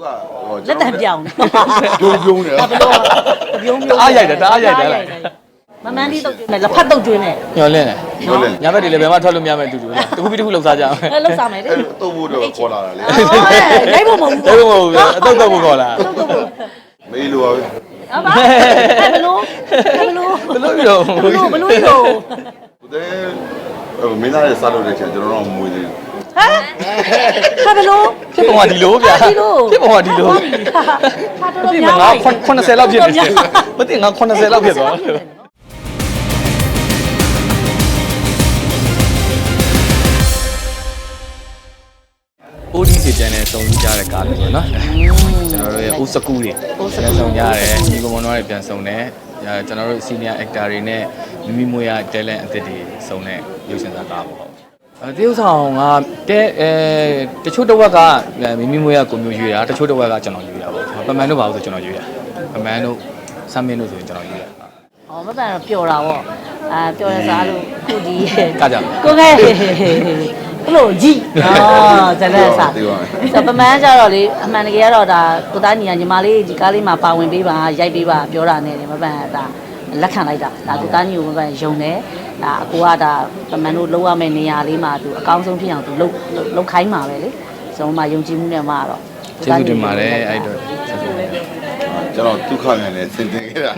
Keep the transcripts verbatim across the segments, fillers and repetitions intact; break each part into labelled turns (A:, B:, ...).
A: လက်တံပြောင်း
B: ပြုံးပြုံးတယ်
A: ဘယ်လိုပြုံးပြုံး
C: အားရိုက်တယ်တအားရိုက်တယ်လား
A: မမန်းလေးတော့ကျွန်းနဲ့လက်ဖက်တော့ကျွန်းနဲ့
C: ညှော်လင့်တယ်ညဘက်တွေလည်းဘယ်မှထွက်လို့မရမယ့်အတူတူလားတခုပြီးတခုလှုပ်စားကြအောင်
A: အဲလှုပ်စားမယ်လေ
B: အဲ့တော့ဖို့တော့ခေါ်လာတာလေ
A: ရိုက်ဖို့မဟုတ်ဘူး
C: ရိုက်ဖို့မဟုတ်ဘူးအတုတ်တော့ဖို့ခေါ်လာ
B: မေးလို့ပါပဲ
A: ဟုတ်ပါဘယ်လိုဘယ်လို
C: ဘယ်လိုပြော
A: ဘယ်လိုဘယ်လိုရော
B: ဦးတဲ့မင်းသားရဲ့စားလို့တဲ့ချက်ကျွန်တော်တို့မွေးသေးဘူး
A: ဟမ်ဟာဘယ်လို
C: ဖြစ်ပုံကဒီလိုဗျာဖြစ်ပုံကဒီလို
A: ဟာတော်တော်များ
C: ငါခုနှစ်ဆယ်လောက်ဖြစ်နေမသိငါခုနှစ်ဆယ်လောက်ဖြစ်သွားအိုဒီစီချန်နယ်စုံကြတဲ့ကားလို့ဆိုနော်ကျွန်တော်တို့ရဲ့အိုးစကူတွေပြန်စုံကြရတယ်ညီကောင်မောင်တွေပြန်စုံတယ်ကျွန်တော်တို့ senior actor တွေနဲ့မိမိမွေးရ talent အသစ်တွေစုံတဲ့ရုပ်ရှင်ဇာတ်ကားပေါ့တရုပ်ဆောင်ကတဲအဲတချို့တစ်ဝက်ကမိမိမွေးရကိုမျိုးရွေးတာတချို့တစ်ဝက်ကကျွန်တော်ရွေးတာပေါ့ပမန်တို့ပါလို့ဆိုကျွန်တော်ရွေးတာပမန်တို့ဆမ်မင်းတို့ဆိုရင်ကျွန်တော်ရွေးတာ
A: อ๋อမပန်တော့ပျော်တာပေါ့အာပျော်ရစားလို့ခုဒီ
C: ကကြ
A: ကိုခဲဘလို့ကြည့်အော်ဇလက်စားဆိုပမန်းကြတော့လေအမှန်တကယ်ကတော့ဒါကိုသားညီကညီမလေးဒီကားလေးမှာပါဝင်ပေးပါရိုက်ပေးပါပြောတာနဲ့မပန်ဒါလက်ခံလိုက်တာဒါကိုသားညီကိုမပန်ယုံတယ်ဒါအကိုကဒါပမန်းတို့လောက်ရမယ့်နေရာလေးမှာသူအကောင်းဆုံးဖြစ်အောင်သူလှုပ်လှုပ်ခိုင်းမှာပဲလေဆိုတော့မှယုံကြည်မှုနဲ့မှတော့
C: ကျေးဇူးတင်ပါတယ်အဲ့တော့
B: ကျွန်တော်ဒုက္ခမြန်နဲ့ဆင်တင်ခဲ့တာ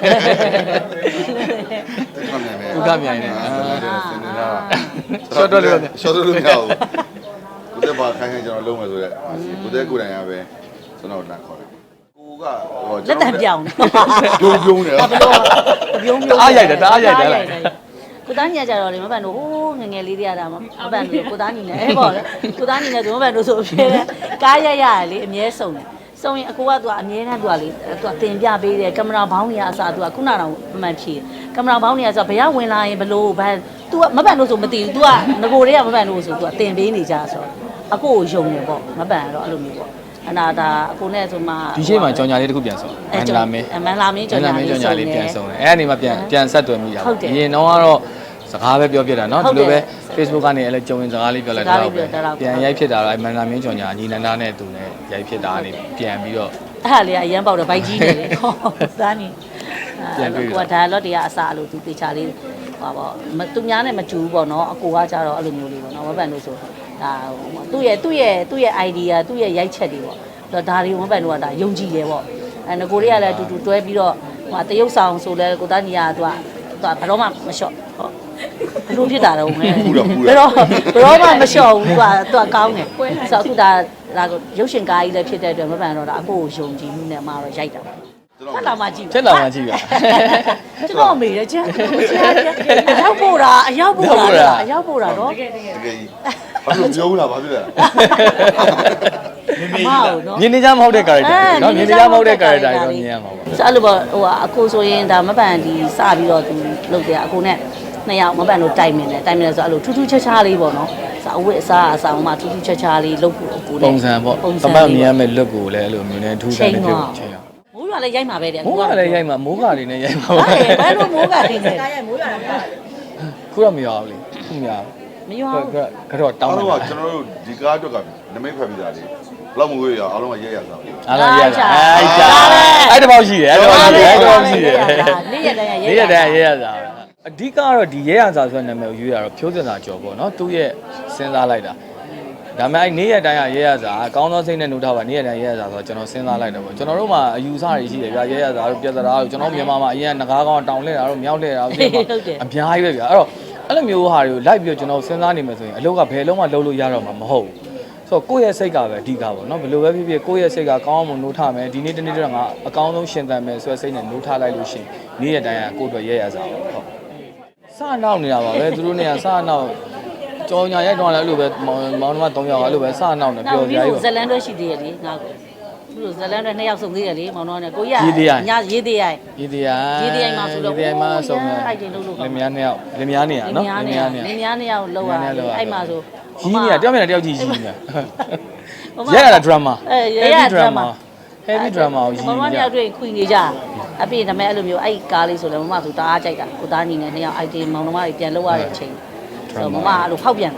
C: ဒုက္ခမြန်နဲ့
B: ဆင်တင်တာ
C: ရှော့တော့လို့
B: ရှော့တော့လို့မရဘူးကိုတဲ့ဘာခိုင်းခိုင်းကျွန်တော်လုံးမယ်ဆိုတော့ကိုတဲ့ကိုယ်တိုင်ရပဲကျွန်တော်လက်ခေါ်တယ်ကိုကဟို
A: လက်တံပြောင်း
B: ပြုံးပြုံးတယ်
A: ဘယ်လိုပြုံးပြုံး
C: အားရိုက်တယ်တအားရိုက်တယ်လား
A: ကိုသားညီကြတော့လေမပန်တို့ဟိုးငငယ်လေးတွေကဒါမပန်တို့ကိုသားညီနဲ့အဲပေါ့လေကိုသားညီနဲ့သူမပန်တို့ဆိုဖြစ်တယ်ကားရက်ရတယ်လေအမြဲစုံတယ်စုံရင်အကိုကသူကအမြဲတမ်းသူကလေသူကတင်ပြပေးတယ်ကင်မရာဘောင်းတွေကအစားသူကခုနကတော့မှန်ဖြေကင်မရာဘောင်းတွေကဆိုဘယ်ရောက်ဝင်လာရင်ဘလို့ဘာသူကမပန်တို့ဆိုမသိဘူးသူကငကိုတွေကမပန်တို့ဆိုသူကတင်ပေးနေကြဆိုအကိုကိုယုံတယ်ပေါ့မပန်တော့အဲ့လိုမျိုးပေါ့အနာဒါအကိုနဲ့ဆိုမှ
C: ဒီရှိမှကြောင်ညာလေးတစ်ခုပြန်ဆုံးမန်လာမင်း
A: မန်လာမင်းကြောင်ညာလေးဆုံးတယ်
C: ပြန်ဆုံးတယ်အဲ့အနေမှာပြန်ပြန်ဆက်သွယ်မိတာပေါ့အရင်တော့ကတော့စကားပဲပြောပြတာเนาะဒီလိုပဲ Facebook ကနေအဲ့လိုကြုံရင်စကားလေးပြောလိုက်တော့ပြန်ရိုက်ဖြစ်တာတော့မန်လာမင်းကြောင်ညာညီနန္ဒာနဲ့သူနဲ့ရိုက်ဖြစ်တာကနေပြန်ပြီးတော့
A: အဲ့ဟာလေးကအရန်ပေါက်တော့ဘိုက်ကြီးနေလေဟောစားနေပြန်ပြီးတော့ဒါလော့တရားအစားလို့သူတေချာလေးဟောပေါ့သူများနဲ့မတူဘူးပေါ့เนาะအကိုကကြတော့အဲ့လိုမျိုးလေးပေါ့เนาะဝက်ပန်လို့ဆိုဒါသူ့ရဲ့သူ့ရဲ့သူ့ရဲ့ idea သူ့ရဲ့ရိုက်ချက်တွေပေါ့ဒါတွေဝက်ပန်တို့ကဒါယုံကြည်တယ်ပေါ့အဲငကိုတွေကလည်းအတူတူတွဲပြီးတော့ဟိုတရုပ်ဆောင်ဆိုလဲကိုသားညီကသူကသူကဘယ်တော့မှမလျှော့ဟောဘယ်လိုဖြစ်တာတော့ငယ်ဘယ်တော့ဘယ်တော့မှမလျှော့ဘူးသူကသူကကောင်းတယ်ဆိုတော့အခုဒါဒါရုပ်ရှင်ကားကြီးလည်းဖြစ်တဲ့အတွက်မပန်တော့ဒါအကိုကိုယုံကြည်မှုနဲ့မှတော့ရိုက်တာပေါ့ချက်လာမှကြည့်
C: ချက်လာမှကြည့်ပါ
A: ကျွန်တော်မေးတယ်ချက်အရောက်ပို့တာအရောက်ပို့တာအရောက်ပို့တာတော့တကယ်တကယ်
B: တကယ်ဘာလို့ပြောဦးလားဘာဖြစ်လဲ
A: မမေနော်
C: မြင်နေကြမဟုတ်တဲ့ character เนาะမြင်နေကြမဟုတ်တဲ့ character တွေတော့မြင်ရမှာပေါ့
A: ဆိုအဲ့လိုပေါ့ဟိုအကိုဆိုရင်ဒါမပန်ဒီစပြီးတော့သူလုပ်တယ်အကိုနဲ့နှစ်ယောက်မပန်တို့တိုင်မင်တယ်တိုင်မင်တယ်ဆိုအဲ့လိုထူးထူးခြားခြားလေးပေါ့နော်ဆိုအဝတ်အစားအဆောင်မှထူးထူးခြားခြားလေးလုပ်ဖို့အကိုနဲ့
C: ပုံစံပေါ့တပတ်မြင်ရမယ့် look ကိုလည်းအဲ့လိုမျိုးနဲ့ထူးခြားနေဖြစ်ချိန်ရ
A: မိုးရွာလည်းရိုက်မှာပဲတဲ့
C: မိုးရွာလည်းရိုက်မှာမိုးကာတွေနဲ့ရိုက်မှာ
A: ပါဘာလို့မိုးကာတွေနဲ့ရိုက်မိုးရွာလည်း
C: ခုတော့မရဘူးလေခုမရ
A: ဘူးမရဘူး
C: ကတော့တောင်း
B: တော့ကျွန်တော်တို့ဒီကားအတွက်ကနမိတ်ဖက်ပြီးသားလေဘလောက်မွေးရအောင်လုံးဝရက်ရစား
C: အားလုံးရက်စားအဲ့ဒါအဲ့တပေါက်ရှိတယ်အဲ့တပေါက်ရှိတယ်အဲ့တပေါက်ရှိတယ်
A: နေ့ရက်တိုင်း
C: ရက်ရက်တိုင်းရက်ရစားအဓိကတော့ဒီရဲရစာဆိုတဲ့နာမည်ကိုရွေးရတော့ဖြိုးစင်စာကျော်ပေါ့နော်သူ့ရဲ့စဉ်းစားလိုက်တာဒါပေမဲ့အဲ့နေ့ရက်တိုင်းကရဲရစာအကောင်းသောစိတ်နဲ့နှုတ်ထားပါနေ့ရက်တိုင်းရဲရစာဆိုတော့ကျွန်တော်စဉ်းစားလိုက်တယ်ပေါ့ကျွန်တော်တို့မှာအယူဆတွေရှိတယ်ဗျာရဲရစာတို့ပြဿနာတို့ကျွန်တော်မြန်မာမှာအရင်ကငကားကောင်းတောင်လှည့်တာတို့မြောက်လှည့်တာတို့အများကြီးပဲဗျာအဲ့တော့အဲ့လိုမျိုးဟာတွေကိုလိုက်ပြီးတော့ကျွန်တော်စဉ်းစားနေမယ်ဆိုရင်အလုပ်ကဘယ်လုံးမှလုပ်လို့ရတော့မှာမဟုတ်ဘူးဆိုတော့ကိုယ့်ရဲ့စိတ်ကပဲအဓိကပေါ့နော်ဘယ်လိုပဲဖြစ်ဖြစ်ကိုယ့်ရဲ့စိတ်ကကောင်းအောင်နှိုးထားမယ်ဒီနေ့တနေ့တော့ငါအကောင်းဆုံးရှင်သန်မယ်ဆိုတဲ့စိတ်နဲ့နှိုးထားလိုက်လို့ရှိရင်နေ့ရက်တိုင်းကကိုယ့်အတွက်ရဲရစာပေါ့ဟုတ်စနောက်နေတာပါပဲသူတို့နေရာစနောက်ကြောင်ညာရိုက်တော့လည်းအဲ့လိုပဲမောင်မောင်နှမ၃ယောက်အဲ့လိုပဲစနောက်နေပြောကြရည်
A: ဇလန်တော့ရှိသေးရဲ့လေငါကိုသူတို့ဇလန်တော့နှစ်ယောက်စုံသေးတယ်လေမောင်နှမနဲ့ကိုရညရေးသေးရိုက်
C: ရေးသေးရိုက်
A: ရေးသေးရိုက်မှာဆိုတော့
C: ရေးသေးရိုက်မှာဆုံးတယ်
A: အဲ့ဒီလုံးလုံး
C: လင်မယားနှစ်ယောက်လင်မယားနေရနော်
A: လင်မယားနေရလင်မယားနှစ်ယောက်လောက်ရအဲ့မှာဆို
C: ကြီးနေရတယောက်မြန်တယောက်ကြီးကြီးနေရရတာ drama
A: အဲရရ drama
C: heavy drama ကို
A: ကြီးမမနှစ်ယောက်တွေ့ခွင်နေကြအပြည့်ဒါမဲ့အဲ့လိုမျိုးအဲ့ကားလေးဆိုလည်းမမဆိုတအားကြိုက်တာကိုသားညီနဲ့နှစ်ယောက် item မောင်နှမတွေပြန်လောက်ရတဲ့အချိန်ဆိုမမအဲ့လိုဖောက်ပြန်တာ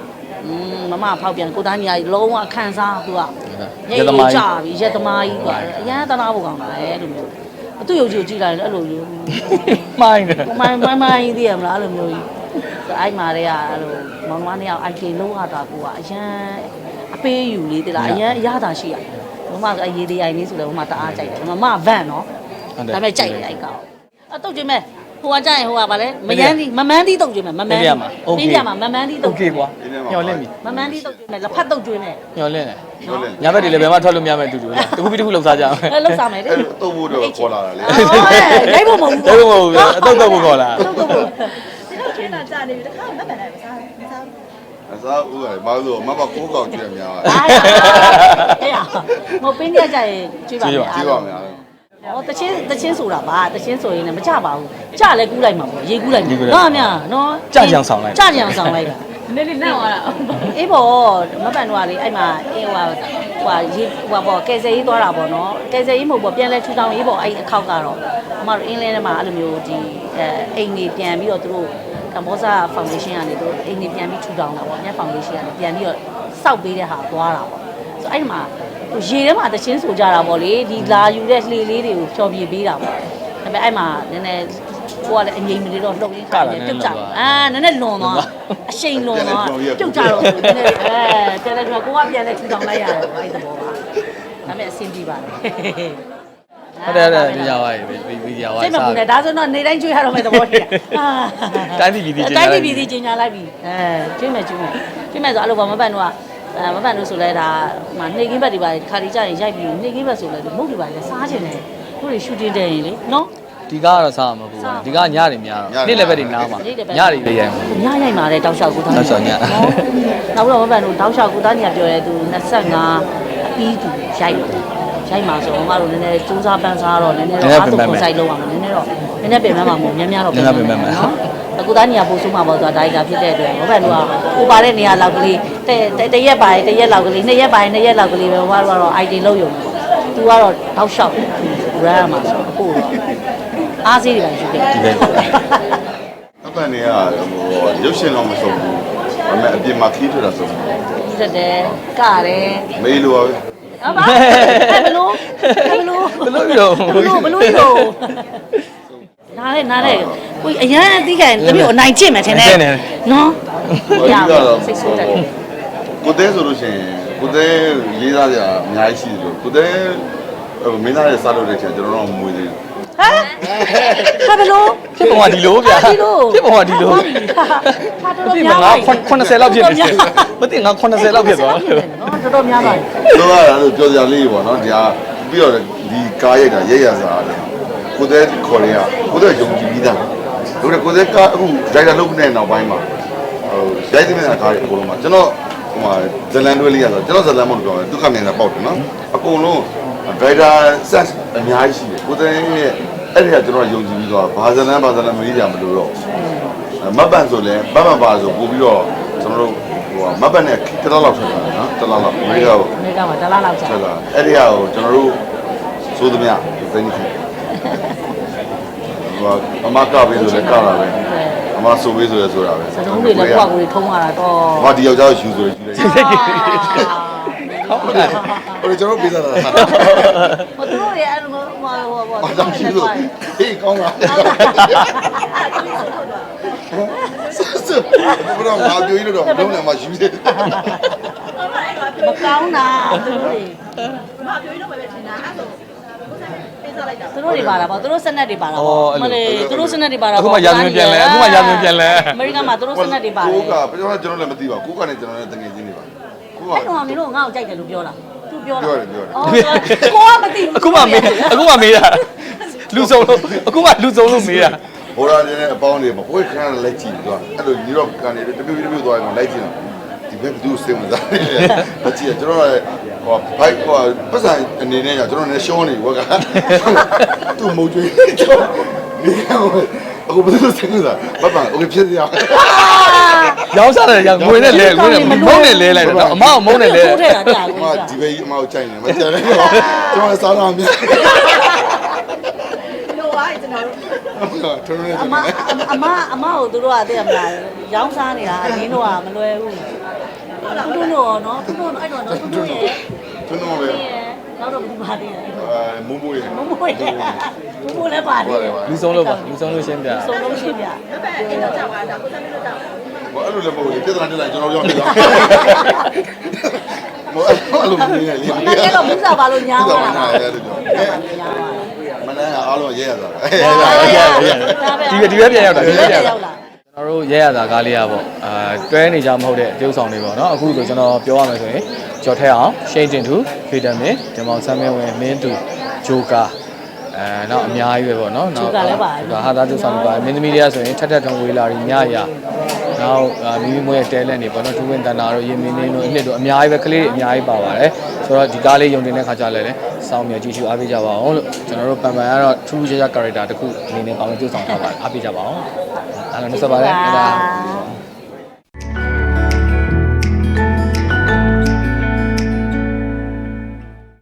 A: อืมမမဖောက်ပြန်ကိုသားညီကြီးလုံးဝခံစားသူက
C: ရသမား
A: ကြပြီရက်သမားကြီးကအရန်သနာဖို့ကောင်းတာလေလို့မျိုးအတူယုံကြည်ကြည့်လိုက်အဲ့လိုမျိုး
C: မိုင်းတယ်
A: မိုင်းမိုင်းမိုင်းသိရမလားအဲ့လိုမျိုးကြီးအဲ့မှာတည်းကအဲ့လိုမောင်နှမနှစ်ယောက်အိုက်ကေလုံးရတာကိုကအရန်အပေးယူလေးတလားအရန်အရသာရှိရမမအရေးသေးအိုင်လေးဆိုလဲမမတအားကြိုက်တယ်မမဗန့်နော်ဒါပေမဲ့ကြိုက်တယ်အဲ့ကောင်အတုတ်ချင်းမဲ့ဟိုကကြရင်ဟိုကဗာလဲမယန်းသီးမမန်းသီးတုတ်ချင်းမဲ့မမန်းသီးပြင်းပြမှာမမန်းသီးတု
C: โอ
A: တ်
C: เคကွာညှော်လင့်ပြီ
A: မမန်းသီးတုတ်ချင်းမဲ့လက်ဖက်တုတ်ချင်းမဲ့
C: ညှော်လင့်တယ်
B: ပြောလဲ
C: ညဘက်တွေလည်းဘယ်မှထွက်လို့မရမယ့်အတူတူလားတခုပြီးတခုလောက်စားကြအောင်
A: အဲ့လောက်စားမယ်လေ
B: အဲ့တော့ဘိုးတော့ခေါ်လာတာလေ
A: ရိုက်ဖို့မဟုတ်ဘူး
C: ဒါကမဟုတ်ဘူးအတုတ်တော့ကိုခေါ်လာ
A: တုတ်တုတ်
D: ဒီတော့ခင်းတာကြာနေပြီတခါမှမမှန်နိုင်မစားမစား
B: အစားဦးကဘာလို့မမကိုးကောင်ကြည့်ရများ
A: အားရအေးရမပင်းရကြရင်ကြည့်ပါမယ်
B: ကြည့်ပါများ
A: ဟောတချင်းတချင်းဆိုတာပါတချင်းဆိုရင်လည်းမကြပါဘူးကြလဲကူးလိုက်မှာပေါ့ရေကူးလိုက်မှာနော်မြနော်ကြကြံဆောင်လိုက်တာ
D: နည်းနည်းနောက်သွားတာ
A: အေးပေါ့မပန်တော့လေအဲ့မှာအေးဟိုဟိုရေဟိုပေါ့ကယ်ဆယ်ရေးသွားတာပေါ့နော်ကယ်ဆယ်ရေးမဟုတ်ပေါ့ပြန်လဲထူထောင်ရေးပေါ့အဲ့အခောက်ကတော့အမတို့အင်းလဲထဲမှာအဲ့လိုမျိုးဒီအဲအိမ်နေပြန်ပြီးတော့သူတို့ကမ္ဘောဇာဖောင်ဒေးရှင်းကနေသူတို့အိမ်နေပြန်ပြီးထူထောင်တာပေါ့မြတ်ဖောင်ဒေးရှင်းကနေပြန်ပြီးတော့စောက်ပေးတဲ့ဟာသွားတာပေါ့ဆိုအဲ့မှာရေထဲမှာတချင်းဆိုကြတာပေါ့လေဒီလာယူတဲ့လှေလေးတွေကိုဖြောပြပေးတာပေါ့ဒါပေမဲ့အဲ့မှာနည်းနည်းကိုကလည်းအငိမ့်မလေးတော့လှုပ်ရင်းခါတယ်ပြုတ်ကြအာနည်းနည်းလွန်သွားအရှိန်လွန်သွားပြုတ်ကြတော့နည်းနည်းအဲပြန်လဲပြန်ကိုကပြန်လဲထူထောင်လိုက်ရတယ်အဲ့သဘောပါဒါပေမဲ့အဆင်ပြေပါတယ်
C: ဟုတ်တယ်ဟုတ်တယ်ဒီရောက်ပါပြီဒီရောက်ပါ
A: စိတ်မပူနဲ့ဒါဆိုတော့နေတိုင်းကျွေးရတော့မယ်သဘောတည်းဟာ
C: တိုင်းပြည်ပြည်ကြီး
A: တိုင်းပြည်ပြည်ကြီးကျင်ညာလိုက်ပြီအဲကျွေးမယ်ကျွေးမယ်ကျွေးမယ်ဆိုအဲ့လိုပါမပန်တော့အဲမပန်လို့ဆိုလဲဒါဟိုနှိမ်ကင်းဘက်တွေပါခါရီကြရင်ရိုက်ပြီးနှိမ်ကင်းဘက်ဆိုလဲမုတ်တွေပါလဲစားချင်တယ်တို့တွေရှူတင်တယ်ရင်လေနော်
C: ဒီကားကတော့စားမှာမဟုတ်ဘူးဒီကားညတွေများတော့နေ့လည်းပဲတွေနားမှာညတွေလေးရိုက်မှာ
A: ညရိုက်มาတယ်တောက်လျှောက်ကိုသား
C: တောက်လျှောက်ည
A: နောက်တော့မပန်တို့တောက်လျှောက်ကိုသားညပြောရဲသူ25အပြီးသူရိုက်ရိုက်မှာဆိုတော့မတို့နည်းနည်းစူးစမ်းပန်းစားတော့နည်းနည်းတော့အားထုတ်ကိုစိုက်လုံးအောင်နည်းနည်းတော့နည်းနည်းပြင်မှမှာမဟုတ်များများတော့ပြင်မှမှာနော်အခုသားညီကပို့ဆုံးမှာပေါ့ဆိုတာဒါရိုက်တာဖြစ်တဲ့အတွက်မပန်တို့ကဟိုပါတဲ့နေရာလောက်ကလေးတတရက်ပါတရက်လောက်ကလေးနှစ်ရက်ပါနှစ်ရက်လောက်ကလေးပဲဘာလို့ကတော့ ไอ ဒီ လုံးယုံသူကတော့တောက်လျှောက်ရမ်းမှာဆိုအခုအားစေးတွေပါယူခဲ့
C: ဒီပဲ
B: အပန်နေကဟိုရုပ်ရှင်တော့မဆုံးဘူးဒါပေမဲ့အပြင်မှာခီးထွက်တာဆုံး
A: တက်တယ်ကတယ်
B: မေးလို့ပါပဲ
A: ဟုတ်ပါဘယ်လိုဘယ်လို
C: ဘယ်လိုပြော
A: ဘယ်လိုဘယ်လိုရောနားလေနားလေကိုအရန်အသိခံတမျိုးအနိုင်ကျင့်မယ်ထင်တယ်နော်ရပါစိတ်ဆိုးတယ်
B: ကိုတဲဆိုလို့ရှိရင်ကိုတဲရေးသားကြအများကြီးရှိတယ်လို့ကိုတဲမင်းသားရဲ့စားလို့တဲ့ချက်ကျွန်တော်တို့မွေးသေးဘူး
A: ဟမ်ဟာဘယ်လို
C: ဖြစ်ပုံကဒီလိုဗျာဖြစ်ပုံကဒီလို
A: ဟာတော်တော်
C: ဒီ
A: များ
C: မှာ
A: ပါ
C: ငါ80လောက်ဖြစ်နေတယ်မသိငါ80လောက်ဖြစ်သွား
A: နော်တော်တော်များပါ
B: တော့အဲ့ဒါဆိုပြောကြလေးပေါ့နော်ဒီဟာပြီးတော့ဒီကားရိုက်တာရဲရစားတယ်ကိုတဲခေါ်ရကိုတဲယုံကြည်ပြီးသားတို့ကကိုတဲကအခုဒိုင်တာလုပ်နေတဲ့နောက်ပိုင်းမှာဟိုရိုက်တဲ့ကားတွေအကုန်လုံးမှာကျွန်တော်ဟိုမှာဇလန်တွဲလေးရဆိုကျွန်တော်ဇလန်မလို့ပြောတယ်ဒုက္ခမြင်တာပေါက်တယ်နော်အကုန်လုံးဒိုင်တာဆက်အများကြီးရှိတယ်ကိုတဲရဲ့အဲ့ဒီကကျွန်တော်ယုံကြည်ပြီးတော့ဘာဇလန်ဘာဇလန်မကြီးကြမလို့တော့မတ်ပန်ဆိုလဲမတ်ပန်ပါဆိုပို့ပြီးတော့ကျွန်တော်တို့ဟိုမတ်ပန်နဲ့တစ်လောက်လောက်ထွက်တာနော်တစ်လောက်လောက်အမေရိကကို
A: အမေကမှာတလားလောက်ကြာ
B: ဆက်လာအဲ့ဒီဟာကိုကျွန်တော်တို့စိုးသမျှဒီသိနေပြီဟိုအမကပေးဆိုလဲကလာပဲအမဆိုပေးဆိုလဲဆိုတာပဲ
A: စလုံးတွေလည်းကိုယ့်ကိုယ်တွေထုံးရတာတော့
B: ဟောဒီယောက်ျားကိုယူဆိုလဲယူလိုက်ဟိုကျွန်တော်ပေးစားတာ
A: ဟိုသူတို့ရဲ့အဲ့လိုဟိုဟိုဟို
B: ဘာကြောင့်ယူလို့ဟေးကောင်းလားဆက်ဘရောငါပြောရလို့တော့လုံးလည်းမယူသေး
A: မကောင်းတာသူတို့တွေ
D: မပြောရင်တော့ပဲထင်တာအဲ့ဆိုပေးစားလိုက်တာ
A: သူတို့တွေပါတာပေါ့သူတို့စနက်တွေပါတာပေါ့မလေးသူတို့စနက်တွေပါတာ
C: အခုမှရာဇဝင်ပြန်လဲအခုမှရာဇဝင်ပြန်လဲ
A: အမေရိကန်မှာသူတို့စနက်တွေပါတယ်
B: ကိုကပြောတော့ကျွန်တော်လည်းမသိပါဘူးကိုကနေကျွန်တော်လည်းတငယ်ချင်းတွေပါကိုက
A: အဲ့တော့မင်းတို့ငါ့ကိုကြိုက်တယ်လို့ပြောလားသူပြောလား
B: ပြောတယ်ပြောတယ်
A: အော်ကိုကမသိဘူး
C: အခုမှမေးအခုမှမေးတာလူစုံလို့အခုမှလူစုံလို့မေးတာ
B: ဟိုရာနေအပေါင်းတွေမကိုယ်ခဏလိုက်ကြည့်သွားအဲ့လိုယူရော့ကနေတပြည့်တပြည့်သွားရင်လိုက်ကြည့်တော့ဒီဘက်ဘူးစင်မသားလက်ကြည့်ကျွန်တော်လည်းဟိုဘိုက်ဟိုပတ်စံအနေနဲ့ကျွန်တော်လည်းရှောင်းနေဘောကသူ့မုံကျွေးကျွန်တော်ဒီအခုဘယ်လိုစင်နေတာဘဘโอเคဖြစ်ရအောင်
C: ရောင်းစားတယ်ရငွေနဲ့လဲငွေနဲ့မုန်းနဲ့လဲလိုက်တယ်အမောက်မုန်းနဲ့လဲ
A: ထိုးထည့်တာကြာ
B: အ
A: ဘူး
B: မ
A: ကြာ
B: ဒီဘေးအမကိုကြိုက်နေမကြတယ်ကျွန်တော်လည်းစားတော့မြင်
D: လို့ပါကျွန်တော်တို့
B: ထွန်းနေ
A: အမအမအမကိုသူတို့ကသိရမလားရောင်းစားနေတာအရင်းတို့ကမလွယ်ဘူးတူတူနော်နော်တူတူအဲ့တော့နော်တူတူရဲ့
B: တွန်းတော့ပဲ
A: နောက်တော့ဘူးပါသေးတယ်
B: အဲမုံမွေး
A: မမွေးတယ်မမွေးလည်းပါသေးတယ်
C: လူဆုံးလို့ပါလူဆုံးလို့ရှင်းပြ
A: ဆုံးလုံးရှင်းပြ
D: ဘယ်ဘက်အိမ်တော့ကြောက်ပါတော့ကိုစံလို့ကြောက်
B: ဘာအဲ့လိုလည်းမဟုတ်ဘူးပြဿနာတက်လာကျွန်တော်ပြောနေတာဘာအဲ့လိုမနေနဲ့လေ
A: မနေ့ကတော့ဘူးစားပါလို့ညားသွားတာ
B: အဲ့လိုပြောမနေ့ကအားလုံးရဲရတာ
C: ဒီဒီပဲပြန်ရောက်တာဒီပဲပြန်ရောက်တာကျွန်တော်တို့ရဲရတာကားလေးอ่ะပေါ့အာတွဲနေကြမဟုတ်တဲ့အကျိုးဆောင်တွေပေါ့နော်အခုဆိုကျွန်တော်ပြောရမယ်ဆိုရင်ကျော်ထဲအောင်ရှိန်တင်သူဖေတမင်ဒီမောင်ဆမ်းမင်းဝင်မင်းသူဂျိုကာအဲနောက်အများကြီးပဲပေါ့နော်နောက်ဒါဟာသားကျုပ်ဆောင်တွေပါမင်းသမီးတွေကဆိုရင်ထက်ထက်ထုံဝေးလာပြီးညရနောက်မိမိမွေးရဲ့တဲလက်နေပေါ့နော်ဒူးဝင်တန်တာတို့ရင်မင်းနေတို့အနှစ်တို့အများကြီးပဲကလေးတွေအများကြီးပါပါတယ်ဆိုတော့ဒီကားလေးယုံတင်တဲ့ခါကြလဲလဲစောင်းမြကြည့်ရှုအားပေးကြပါအောင်လို့ကျွန်တော်တို့ပန်ပန်ကတော့ထူးခြားခြား character တစ်ခုအနေနဲ့ပါဝင်ကျုပ်ဆောင်ထားပါတယ်အားပေးကြပါအောင်အားလုံးဆက်ပါတယ်ဒါ